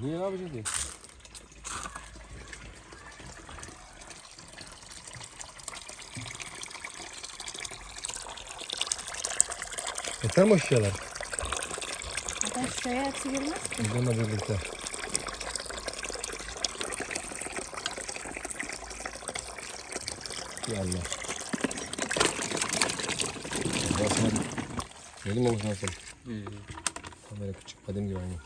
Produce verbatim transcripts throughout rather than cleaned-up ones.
Niye ne yapacağız diye? Yeter mi o şişeler? Zaten şişeye hepsi girmez ki. Bununla birlikte. Ya Allah. Basma. Benim olmuş nasıl? Hmm. Kamera küçük. Kadim gibi aynı.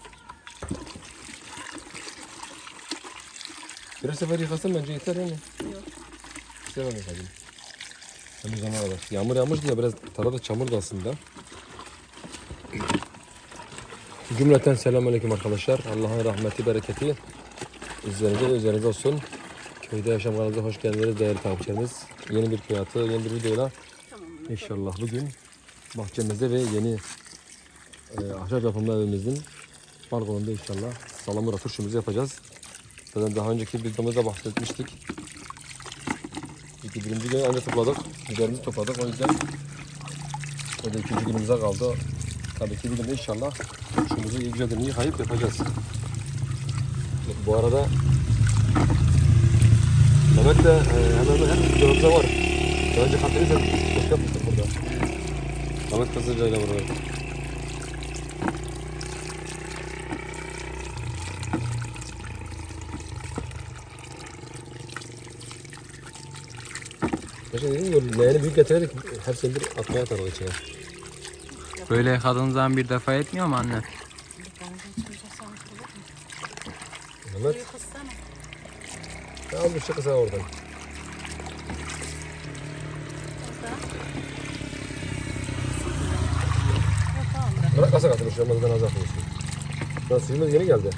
Bir sefer yıkasın bence yeter değil mi? Yok. İşte ben yıkadım. Hem zaman kadar. Yağmur yağmıştı ya biraz tarafta çamur da aslında. Cümleten selamünaleyküm arkadaşlar. Allah'ın rahmeti, bereketi üzerinize ve üzerinize olsun. Köyde Yaşam kanalımıza hoş geldiniz değerli takipçilerimiz. Yeni bir köy hayatı, yeni bir videoyla inşallah bugün bahçemizde ve yeni e, ahşap yapımlı evimizin balkonunda inşallah salamura turşumuzu yapacağız. Zaten daha önceki videomuzda bahsetmiştik. İki birinci gün önce topladık, biberimizi topladık. O yüzden o da ikinci günümüze kaldı. Tabii ki bir gün inşallah turşumuzu iyi güzelce yıkayıp yapacağız. Bu arada Mehmet de e, hemen hemen her videomuzda var. Daha önce katılırsa hoş yapmıştık burada. Mehmet Kızılca ile burada. Başka dediğim gibi leğeni büyük getirerek her senedir atmaya atarız içine. Böyle yıkadığın zaman bir defa etmiyor mu anne? Mehmet. Ya al bir şey kısa oradan. Bırak kasa katılır şu an az atmışsın. Daha suyumuz yeni geldi.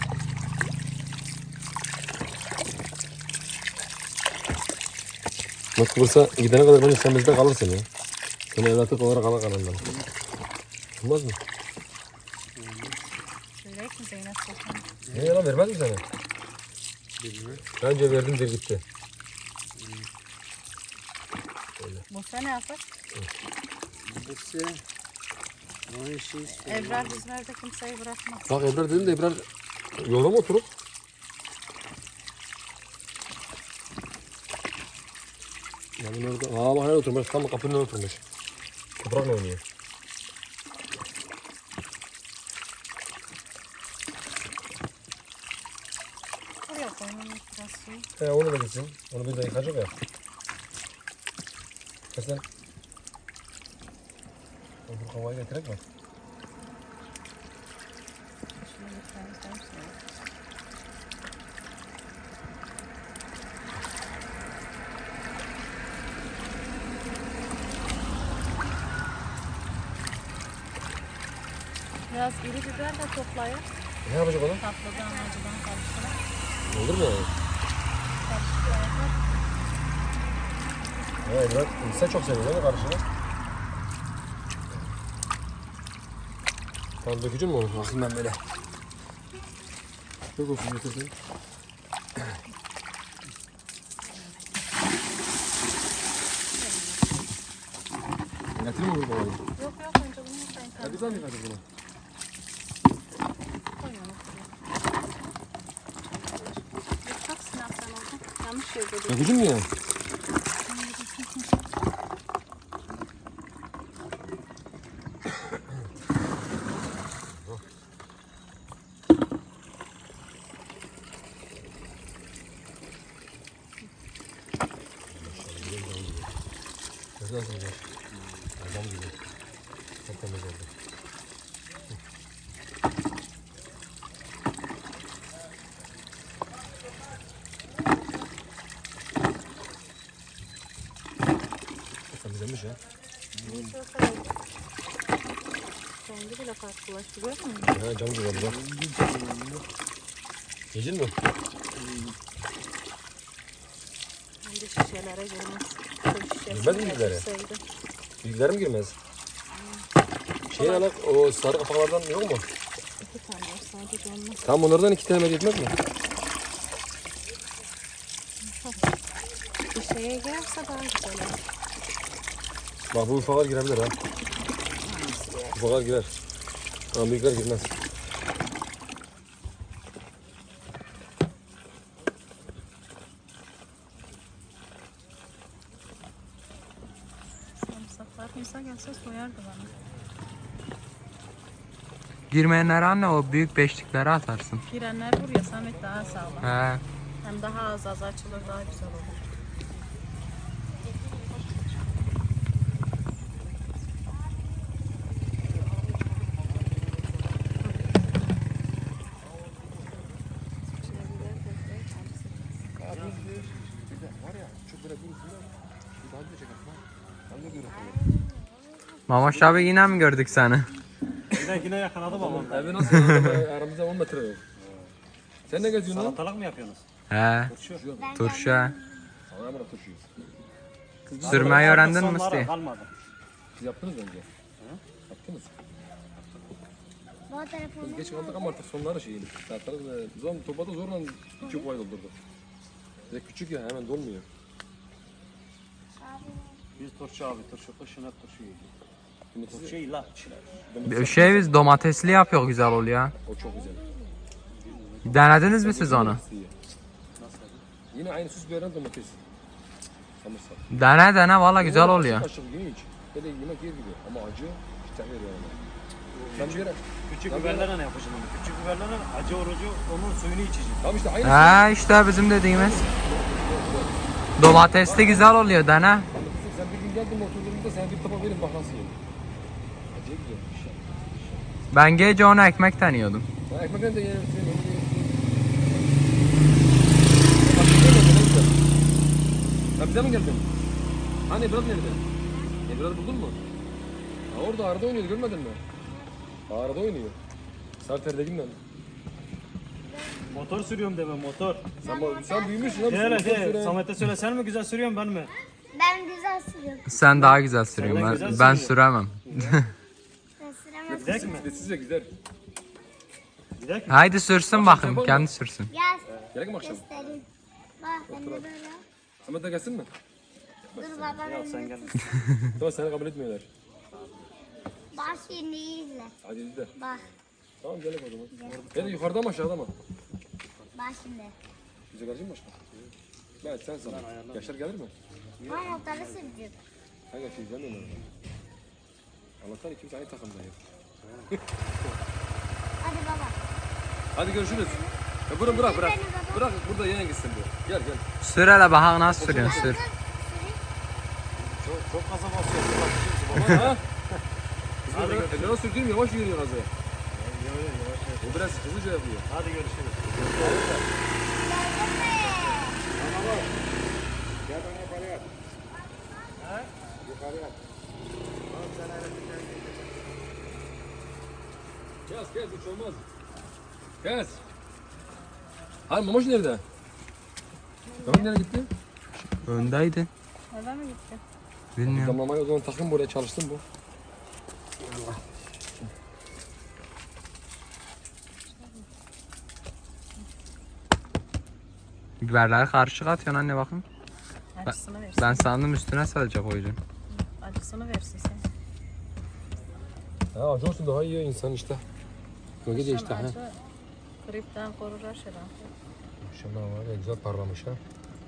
Bak Kıbrıs'a gidene kadar bence sen bizde kalırsın ya. Seni evlatlık olarak ala kanalından. Olmaz mı? Börek mi Zeynep Sultan? Ne yalan vermez mi sana? Bilmiyorum. Bence verdim der gitti. Bu sene yapar. Burası o işi Ebrar bizlerde kimseyi bırakmaz. Bak Ebrar dedim de Ebrar yolda mı oturup? Yani orada, aa bak nerede oturmuş, tam kapının önünde oturmuş. Toprakla oynuyor. Oraya koyun biraz suyu. He onu da gitsin, onu bir de yıkacak ya. Kesin. Bu havayı getirek mi? Şunu bir temizleyelim suyu. Biraz iri biber de toplayıp Ne yapacak onu? tatlıdan acıdan karıştırarak Olur mu yani? karıştırarak Ya Ebrar, sen çok seviyorsun değil mi karışını? Tamam dökeceğim mi onu? Olsun ben böyle. Çok olsun getirsin. Getireyim mi bu babayı? Yok yok önce bunu yıkayın. Ya güzel mi yıkadık bunu? Koy onu şuraya. Çok sınav sen oldun. Yanlış yerde değil. Dökeceğim mi ya? Güzel güzel. Adam gibi. Çok temiz oldu. Temizlemiş ya. Rengi bile farklılaştı gördün mü? Ha cam gibi oldu bak. Yiyecek mi? Bence şişelere girmez. Koy şişesi Girmez mi şişelere? getirseydi. Bilgiler mi girmez? Şey alak o sarı kapaklardan yok mu? İki tane var sadece olmaz. Tam onlardan iki tane yetmez mi? Bir şeye girerse daha güzel olur. Bak bu ufaklar girebilir ha. Ufaklar girer. Ama büyükler girmez. Farkıysa gelse soyardı bana. Girmeyenlere anne o büyük beşlikleri atarsın. Girenler buraya Samet daha sağlam. He. Hem daha az az açılır, daha güzel olur. Mamaş abi yine mi gördük seni? Yine yine yakaladım ama. Evi nasıl aramızda, aramızda on metre yok. Sen ne geziyorsun lan? Salatalık mı yapıyorsunuz? He. Turşu. Turşu. Allah'a emanet turşuyuz. Sürmeyi öğrendin mi Sonlara Musti? kalmadı. Siz yaptınız bence. Yaptınız. Bu telefonu Biz geç kaldık ama artık sonları şeyini. Zaten o zaman topada zorla iki koy doldurduk. Bir de küçük ya hemen dolmuyor. Biz turşu abi turşu kışın hep turşu yiyoruz. Domatesi, Turşu illa içiler. domatesi- Şey biz domatesli yapıyor güzel oluyor. O çok güzel. Denediniz mi siz onu? Domatesi iyi. Yine aynı süs veren domates. Samırsak. Dene dene valla güzel oluyor. Aşık yiyin hiç. Böyle yemek yer gibi ama acı hiç veriyor yani. Ben bir yere... Küçük Ya biberlerle ne yapacağım onu? Küçük biberlerle acı orucu onun suyunu içeceğim. Tamam işte aynı. He işte bizim dediğimiz. Domatesli güzel oluyor dene. Sen bir gün geldin oturduğumda sana bir tabak verin bak nasıl yiyin. Acı güzelmiş ya. Ben gece ona ekmek deniyordum. Ben ekmekten de yerim. Bak güzel oldu ne güzel. Ya bize mi geldin? Hani Ebrat nerede? Ebrat buldun mu? Ha orada arada oynuyordu görmedin mi? Arada oynuyor. Sarter'dekinden. Motor sürüyorum deme motor. Sen, sen büyümüşsün abi. De sen hele motor de süren. Samet'e söyle sen mi güzel sürüyorsun ben mi? ben güzel sürüyorum. Sen daha güzel sürüyorsun. Sen de Ben, güzel ben sürüyorsun. süremem. Ben süremem. Gidek mi? Size gider. Gidek mi? Haydi sürsün bakayım kendi sürsün. Gel Gerek mi akşam? göstereyim. Bak ben de böyle. Samet de gelsin mi? Dur baba Yok ben sen de gel. Tamam seni kabul etmiyorlar. Bak şimdi iyi izle. Hadi izle. Bak. Tamam gel o zaman. Hadi yukarıda mı aşağıda mı? Bak şimdi. Bize gelecek mi başka? Ben sen sana. Yaşar gelir mi? Ben motoru süreceğim. Hangi şey izlemiyorum onu. Allah'tan ikimiz aynı takımdayız. Hadi baba. Hadi görüşürüz. Ya bırak bırak bırak. Bırak burada yeğen gitsin bu. Gel gel. Sür hele bak nasıl sürüyorsun sür. Çok, çok gaza basıyor. Aman ha. Hadi gör. Ellerine sürdüğüm yavaş yürüyor azı. O biraz hızlıca yapıyor. Hadi görüşürüz. Kes kes hiç olmaz. Kes. Hayır Mamoş nerede? Tamam nereye gitti? Öndeydi. Eve mi gitti? Bilmiyorum. Damlamayı o zaman takın buraya çalıştım bu. Biberleri karışık atıyorsun anne bakın. Acısını versin. Ben sandım üstüne sadece koyacaksın. Acısını versin sen. Ha acı olsun daha iyi insan işte. Bölge de işte ha. Acı gripten korur aşırı. Maşallah var ya güzel parlamış ha.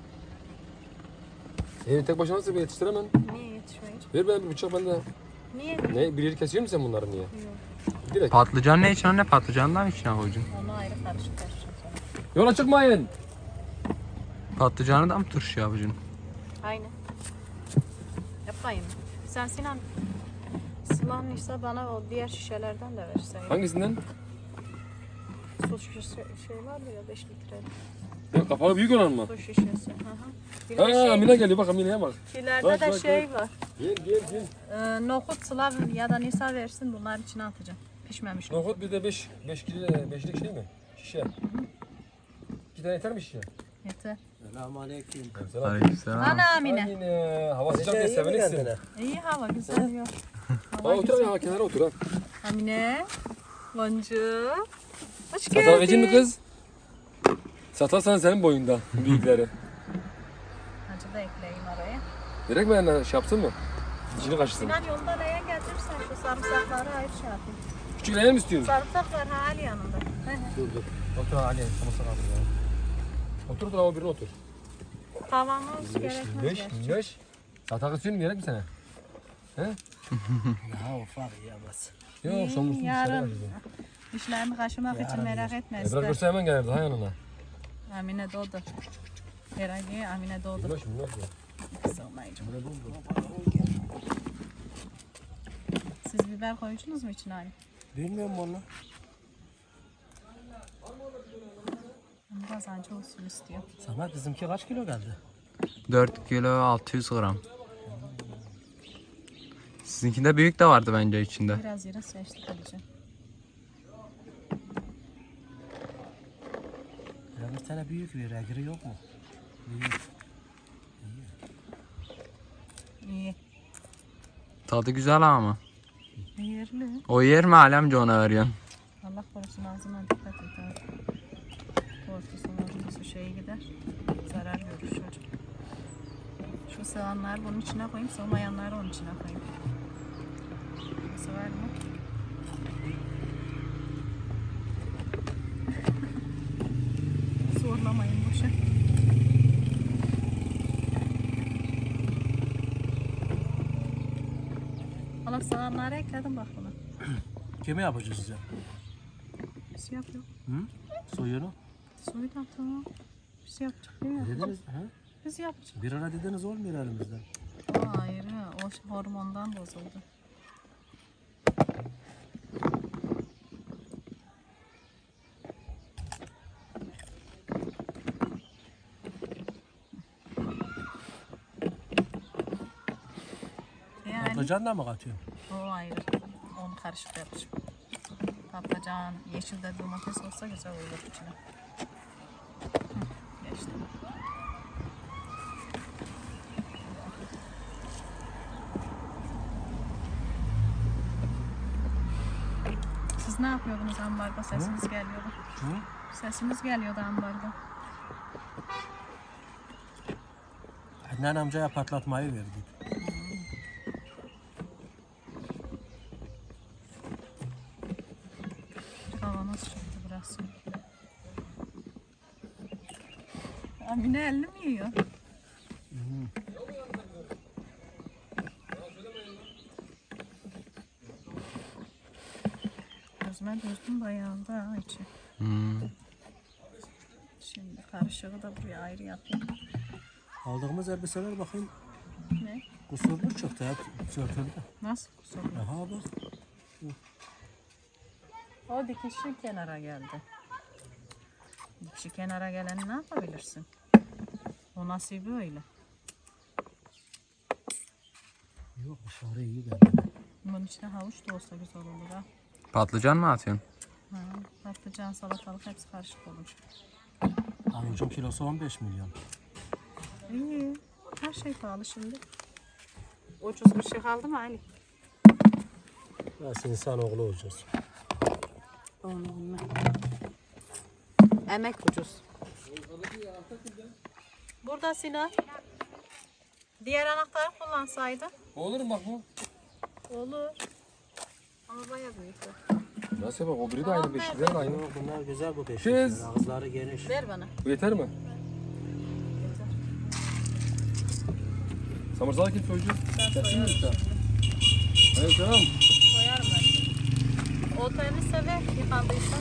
Evi tek başına nasıl bir yetiştiremem? Niye yetişmeyiz? Ver bana bir bıçak ben de. Niye? Ne bir yeri kesiyor musun sen bunları niye? Yok. Direkt. Patlıcan ne için anne? Patlıcanı da mı içine koyacaksın? Onu ayrı karışık karışık sonra. Yola çıkmayın. Patlıcanı da mı turşu yapacaksın? Aynen. Yapmayın. Sen Sinan sulanmışsa bana o diğer şişelerden de verseydin. Hangisinden? Su şişesi şey vardı ya beş litre. Ya, kapağı büyük olan mı? Su şişesi. Hı hı. Bir de Ha şey, Mine geliyor bak Mine'ye bak. şilerde Bak, de bak, şey var. Gel gel gel. Ee, nohut sılav ya da nisa versin bunlar içine atacağım. Pişmemiş. Nohut bir de beş beş kilo beşlik şey mi? Şişe. İki tane yeter mi şişe? Yeter. Selamünaleyküm. Selam. Aleykümselam. Ana Mine. Yine hava sıcak diye sevinirsin. İyi hava güzel yok. Ha otur ya kenara otur ha. Amine. Boncuğum. Hoş Satar verecek mi geldin. kız? Satarsan senin boyunda büyükleri. Acı da ekleyeyim araya. Gerek mi yani şey yapsın mı? İçini kaşısın. Sinan yolda neye getirsen şu sarımsakları ayır şey yapayım. Küçük leğen mi istiyorsun? Sarımsak var ha Ali yanında. He he. Dur dur. Otur Ali. Tamam sana otur ya. Otur da o birine otur. Tavamız gerekmez Minnoş, gerçi. minnoş. Satak istiyorsun gerek mi sana? He? Ya ufak yiyemez. Yok somursun dışarı Yarın kaçacak. dişlerini kaşımak için merak etme. Ebrar ister. görse hemen gelirdi ha yanına. Amine doğdu. Herhalde Amine doğdu. Bilmem şimdi nasıl? Sığmayacağım. Siz biber koydunuz mu içine hani? Bilmiyorum onu. Kazancı olsun istiyor. Samet bizimki kaç kilo geldi? dört kilo altı yüz gram. Sizinkinde büyük de vardı bence içinde. Biraz yere seçtik alacağım. Ya bir tane büyük bir regri yok mu? Büyük. İyi. Tadı güzel ama. Yerli. O yer mi alemce ona veriyorsun? Allah korusun ağzına dikkat et abi. Korkusun ağzına şeye gider. Zarar görür çocuk. Şu sığanları bunun içine koyayım, sığmayanları onun içine koyayım. Sığar mı? Zorlamayın boşa. Allah sığanları ekledim bak buna. Kimi yapacağız size? Biz yapıyor. Hı? Suyunu? Suyu da tamam. Biz yapacak değil mi? Dediniz, he? Biz yapacak. Bir ara dediniz olmuyor elimizden. O ayrı. O hormondan bozuldu. Yani Patlıcan da mı katıyorsun? o ayrı. Onu karışık yapacağım. Patlıcan, yeşil de domates olsa güzel olur içine. Hı, geçti. Siz ne yapıyordunuz ambarda? Sesiniz geliyordu. Hı? Sesiniz geliyordu ambarda. Adnan amcaya patlatmayı verdik. Kavanoz çıktı burası. Amine elli mi yiyor? Gözüme düzdüm bayağı da ha içi. Hmm. Şimdi karışığı da buraya ayrı yapayım. Aldığımız elbiseler bakayım Ne? kusurlu çıktı hep sörtüldü. Nasıl kusur? Aha bak. O dikişi kenara geldi. Dikişi kenara geleni ne yapabilirsin? O nasibi öyle. Yok dışarı iyi geldi. Bunun içine havuç da olsa güzel olur ha. Patlıcan mı atıyorsun? Ha, patlıcan, salatalık hepsi karışık olur. Havucun kilosu on beş milyon. İyi. Her şey pahalı şimdi. Ucuz bir şey kaldı mı Ali? Nasıl insanoğlu olacağız? Onu bilmem. Emek ucuz. Burada Sinan. Diğer anahtarı kullansaydın. Olur mu bak bu? Olur. Ama bayağı büyük. o. Nasıl bak o biri de aynı beşikler de aynı. Yok bunlar güzel bu Kız. beşikler. Ağızları geniş. Ver bana. Bu yeter mi? Samırsağı kim çocuğu? Ben Kesin mi soyarım. işte? Hayır selam. Soyarım ben. O temizse ver yıkandıysa.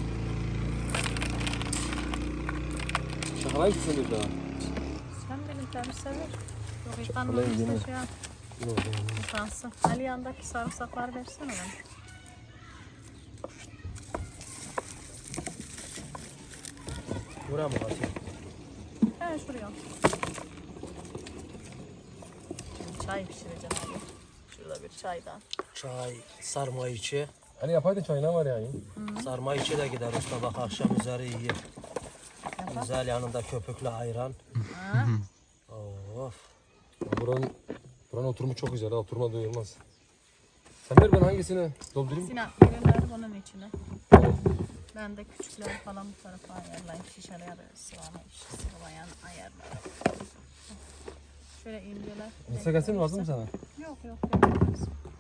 Şakalayın ki seni daha. Sen benim temizse ver. Yok Şakalayın yıkanmadıysa yine. şey yap. Yok yani. Yıkansın. Ali yandaki sarımsakları versene bana. Buraya mı atayım? He şuraya. Şimdi çay pişireceğim abi. Şurada bir çaydan. Çay, sarma içi. Hani yapaydın çay ne var yani? Sarma içi de gider usta bak akşam üzeri iyi. Güzel yanında köpüklü ayran. Ha? Of. Buranın, buranın oturumu çok güzel ha. Oturma doyulmaz. Sen ver ben hangisini doldurayım? Sinan ürünleri bunun içine. Evet. Ben de küçükleri falan bu tarafa ayarlayayım. Şişeler sıvama sıvamayan ayarlarım. Şöyle inceler. Mısır gelsin mi lazım mı sana? Yok yok. Yok.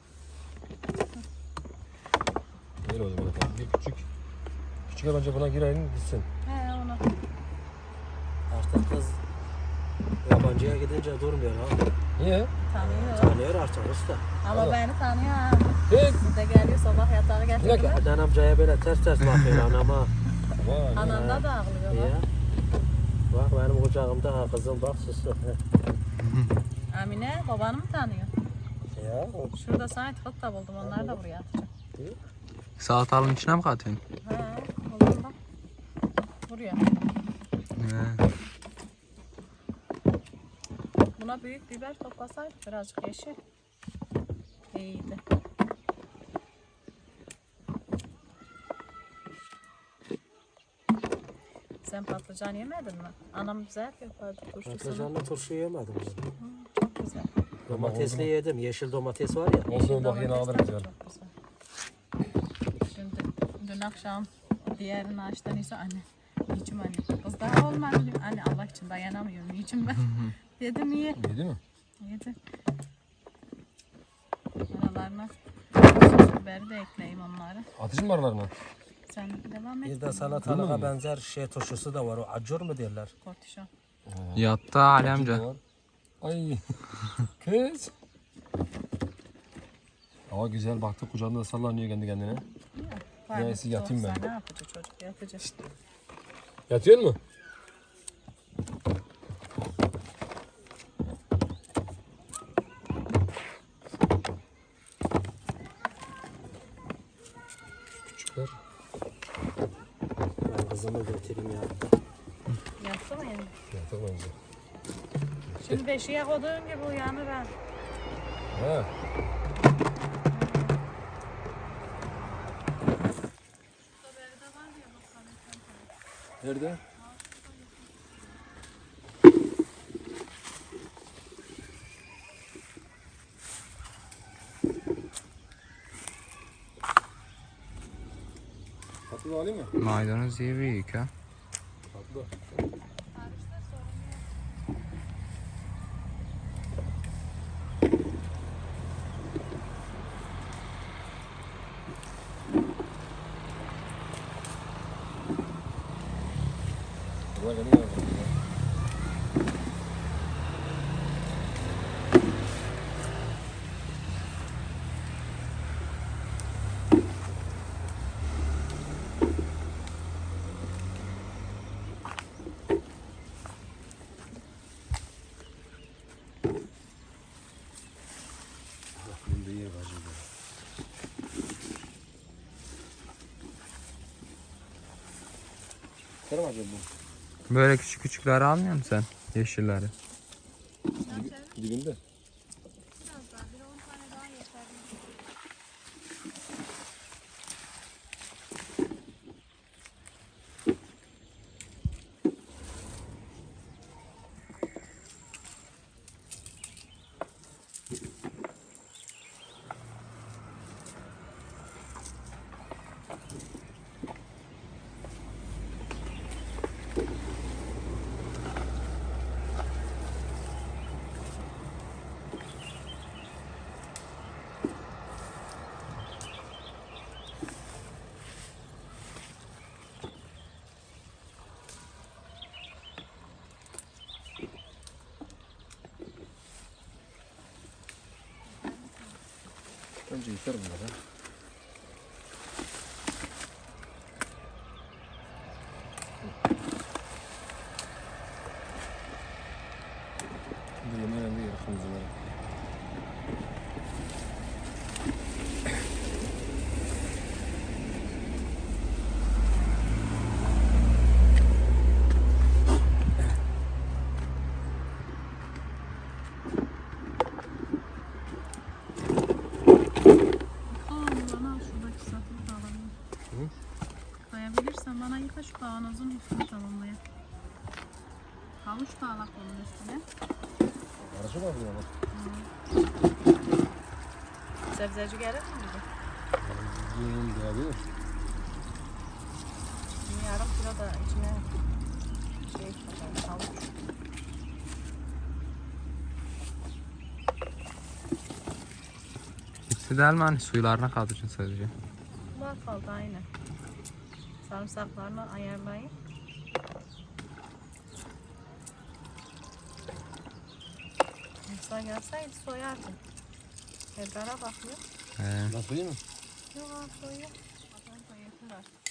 Öyle o zaman. Bir küçük. Küçük bence buna girelim gitsin. He onu. Artık kız Yabancıya gidince durmuyor ha. Niye? Tanıyor. Tanıyor artık usta. Ama Allah. beni tanıyor ha. Hiç. Bir de geliyor sabah yatağı Bir getiriyor. dakika. Eden amcaya böyle ters ters bakıyor anama. Vay. Ananda da ağlıyor. Niye? Bak. Bak benim kucağımda ha kızım bak sustu. Amine babanı mı tanıyor? Ya o Şurada sana tıkıt da buldum. Onları da buraya atacağım. Salatalığın içine mi katıyorsun? He buldum bak. Buraya. He. Buna büyük biber toplasaydık birazcık yeşil. İyiydi. Sen patlıcan yemedin mi? Anam güzel yapardı turşusunu. patlıcanlı turşu yemedim. Çok güzel. Domatesli yedim. Yeşil domates var ya. Olsun bak yine Domates alırız de yani. çok güzel. Şimdi dün akşam diğerini açtın ise anne. Yiyeceğim anne. Kız daha olmadı diyor. Anne Allah için dayanamıyorum. Yiyeceğim ben. Dedim iyi. Yedi mi? Yedi. Aralarına sos biberi de ekleyeyim onları. Atışın mı aralarına? Sen devam et. Bir de salatalığa benzer şey turşusu da var. O acur mu derler? Kortişon. Yattı Ali amca. Ay. Kız. Hava güzel baktı kucağında da sallanıyor kendi kendine. Var Neyse, mı? yatayım ben. Soğuksa Ne yapacak çocuk? Yatacak. Yatıyor mu? Küçükler. Ben kızımı götüreyim ya. Yattı mı yani? Yatak bence. Şimdi beşiğe koyduğun gibi uyanır ha. Ha. Nerede? Tatlı da alayım mı? Maydanoz iyi büyük ha. Tatlı. Ulan geliyor. Bunda yer var şimdi. Selam acaba bu. Böyle küçük küçükleri almıyor musun sen? Yeşilleri. Dibinde. Önce yıkar bunları. Şimdi yemeğe de yakın bunları. Bana şuradaki sapını da alalım. Kayabilirsen bana yıka şu kavanozun üstünü tamamlaya. Havuç da alak onun üstüne. Aracı var burada. Sebzeci gelir mi bize? Yiyelim diyebilir. Bir yarım kilo da içine şey katalım, havuç. Hepsi değil mi hani suylarına katacaksın sadece. Var kaldı aynı. Sarımsaklarını ayarlayın. Musa gelseydi soyardım. Ebrar'a bakmıyor. He. Nasıl iyi mi? Yok abi soyuyor. Adam da yeter artık.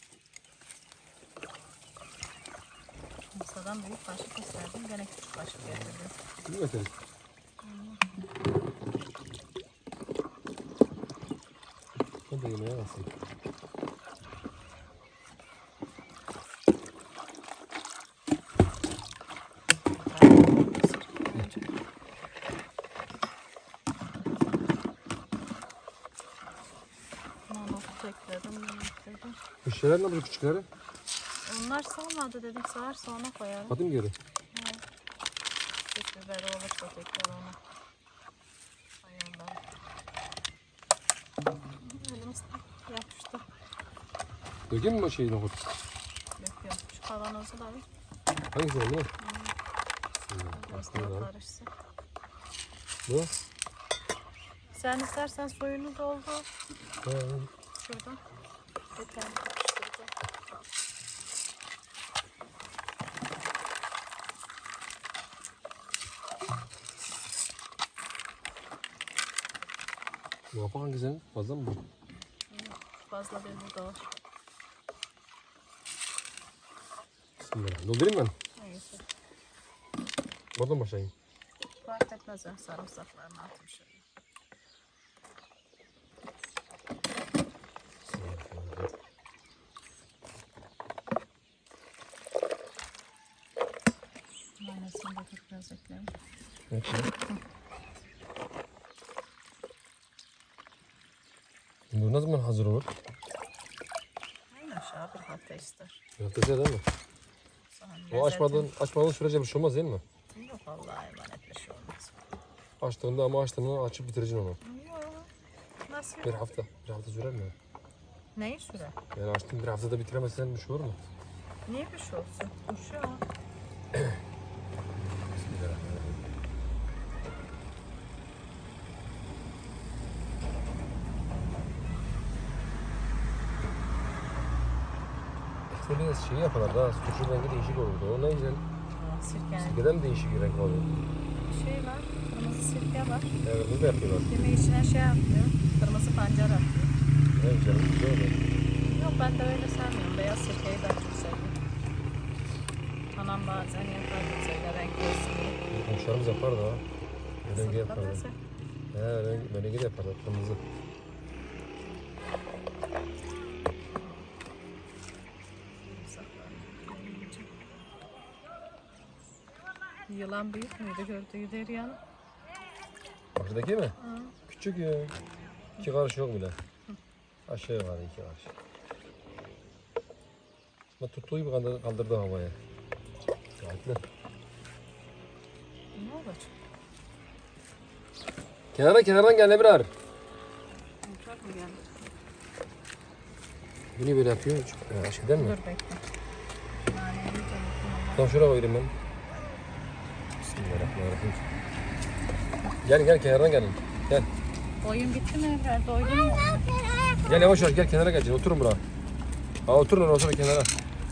Musa'dan büyük kaşık isterdim. Gene küçük kaşık getirdim. Kim getirir? O da yemeğe nasıl? Nonotu ekledim. bunu ekledim. Bu şeyler ne bu küçükleri? Onlar sığmadı dedim. Sığar sonra koyarım. Hadi mi geri? Süt biberi olursa tekrar onu ayarlarım. Elimizde yapıştı. Dökeyim mi o şeyi nohut? Döküyorum. Şu kavanozu da bir Hangisi oldu? biraz daha karışsın. Bu? Sen istersen suyunu doldur. Ha. Şuradan. Yeter. Karıştıracağım. Bu hapa hangisinin? Fazla mı bu? Fazla bir burada var. Bismillah. Doldurayım ben. Neyse. Oradan başlayayım. Fark etmez ya. Sarımsaklarını atayım şöyle. Mayonezini de dur biraz ekleyelim. Evet. Bu ne zaman hazır olur? Aynen aşağı bir hafta ister. Köftesi değil mi? Sonra O açmadığın, açmadığın sürece bir şey olmaz değil mi? Yok vallahi emanet bir şey olmaz. Açtığında ama açtığında açıp bitireceksin onu. Yok. Nasıl? Bir hafta. Bir hafta sürer mi? Neyi süre? Yani açtın bir haftada bitiremezsen bir şey olur mu? Niye bir şey olsun? Uşuyor. Bismillahirrahmanirrahim. İşte biraz şey yaparlar da turşu rengi değişik olurdu. O ne güzel. Sirke. Sirkeden değişik bir renk oluyor. Şey var. Kırmızı sirke var. Evet, bunu da yapıyorlar. Yemeği içine şey atıyor. Kırmızı pancar atıyor. Ne güzel, güzel oluyor. Yok ben de öyle sevmiyorum. Beyaz sirkeyi ben çok seviyorum. Anam bazen yapar böyle renk olsun diye. Komşularımız yapar da. Rengi yaparlar. Nasıl? He, rengi, rengi de yaparlar. Kırmızı. Yılan büyük müydü gördüğü Derya'nın? Şuradaki mi? Küçük ya. İki karış yok bile. Aşağı yukarı iki karış. Ama tuttuğu gibi kaldır- kaldırdı havaya. Saatli. Ne olacak? Kenara kenardan gel Ebrar. Uçak mı geldi? Bunu böyle yapıyor. Ee, aşağıdan mı? Dur bekle. Naneyi de unutma. Tam şuraya koyayım ben. Bismillahirrahmanirrahim. Gel gel kenardan gelin. Gel. Oyun bitti mi? Evler doydun mu? Gel yavaş yavaş gel kenara gel. Oturun buraya. Ha oturun oraya oturun kenara.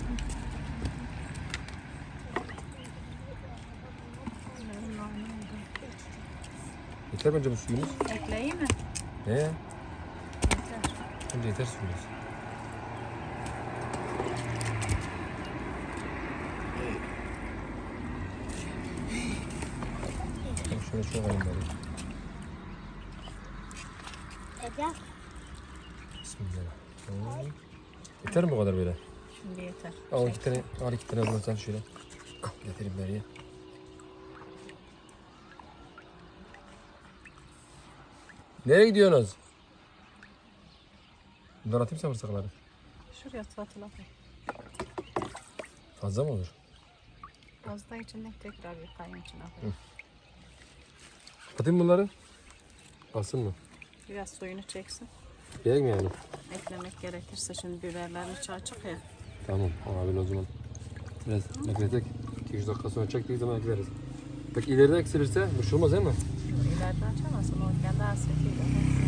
Yeter bence bu suyunuz. Ekleyeyim mi? Ne? Yeter. Bence yeter suyunuz. Tamam, şöyle şöyle koyayım bari. Ece. Bismillahirrahmanirrahim. Yeter mi bu kadar böyle? Şimdi yeter. Al iki tane, al iki tane al sen şöyle. Al getireyim nereye? Nereye gidiyorsunuz? Bunları atayım sarımsakları. Şuraya satıla koy. Fazla mı olur? Az da içinde tekrar yıkayın içine koy. Atayım bunları. Alsın mı? Biraz suyunu çeksin. Gerek mi yani? Eklemek gerekirse şimdi biberlerin içi açık ya. Tamam abi o zaman. Biraz bekletek. iki üç dakika sonra çektiği zaman ekleriz. Peki ileride eksilirse bir şey olmaz değil mi? İleride açamazsın o kendi hasretiyle.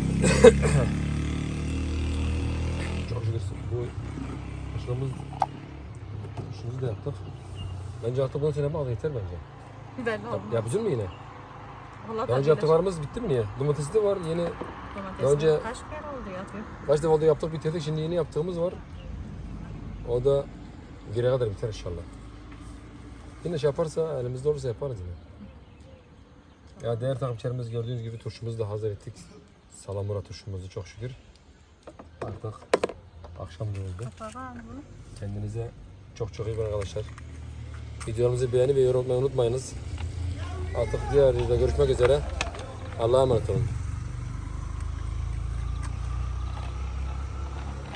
Çok şükür bu aşılamız aşımızı da yaptık. Bence artık bundan sonra bak yeter bence. Belli olmaz. Yap, yapacak mı yine? Valla Daha önce yaptıklarımız bitti mi niye? Domatesi de var yeni. Domates önce- kaç kere oldu yapıyor. Kaç defa da yaptık bitirdik. Şimdi yeni yaptığımız var. O da güne kadar biter inşallah. Yine şey yaparsa elimizde olursa yaparız yine. Ya değerli takipçilerimiz gördüğünüz gibi turşumuzu da hazır ettik. Salamura turşumuzu çok şükür. Artık akşam da oldu. Kapağı al bunu. Kendinize çok çok iyi bakın arkadaşlar. Videolarımızı beğeni ve yorum atmayı unutmayınız. Artık diğer videoda görüşmek üzere. Allah'a emanet olun.